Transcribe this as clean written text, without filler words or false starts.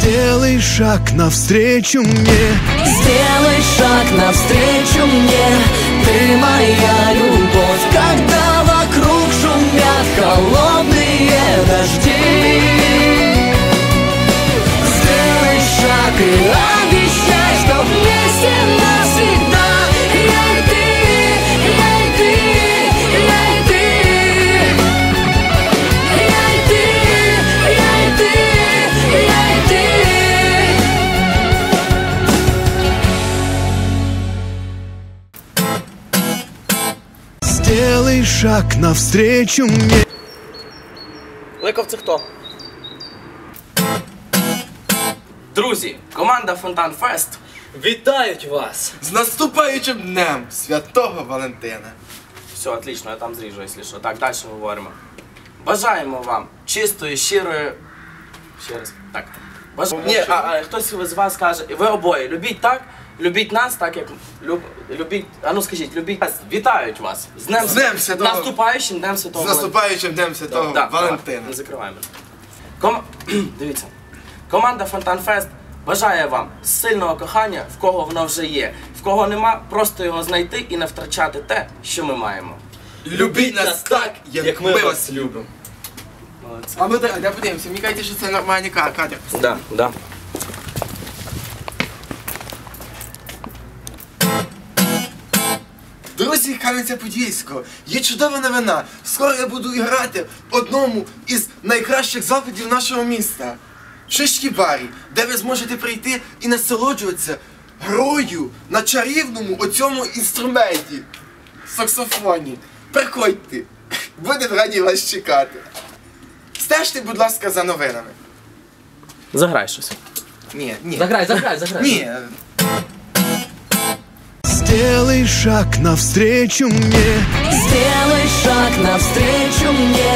Сделай шаг навстречу мне. Сделай шаг навстречу мне. Ты моя любовь, когда вокруг шумят холодные дожди. Сделай шаг и обещай, что вместе навсегда. Я и ты, я и ты, я и ты. Я и ты, я и ты, я и ты. Сделай шаг навстречу мне. Ликов, це хто? Друзі, команда Фонтан Фест Вітають вас! З наступаючим днем Святого Валентина. Все, отлично, я там зріжу, якщо що. Так, далі говоримо. Бажаємо вам чистої, щирої... Ще раз. Так. Ні, хтось з вас каже, ви обоє, любіть так, любіть нас, так як любіть, а ну скажіть, любіть нас, вітають вас. З Днем Святого. Наступаючим Днем Святого З наступаючим днем Святого Валентина. Не закриваємо. Дивіться. Команда Фонтан Фест бажає вам сильного кохання, в кого воно вже є. В кого нема, просто його знайти і не втрачати те, що ми маємо. Любіть нас так, як ми вас любимо. Молодці. А ми де подивимося, мені кажуть, що це нормальний кадр. Да, да. Друзі, Кам'янця-Подільського, є чудова новина. Скоро я буду грати в одному із найкращих закладів нашого міста. Шишки барі, де ви зможете прийти і насолоджуватися грою на чарівному оцьому інструменті. Саксофоні. Приходьте. Будемо раді вас чекати. Стежте, будь ласка, за новинами. Заграй щось. Ні. Заграй. Ні. Сделай шаг навстречу мне. Сделай шаг навстречу мне.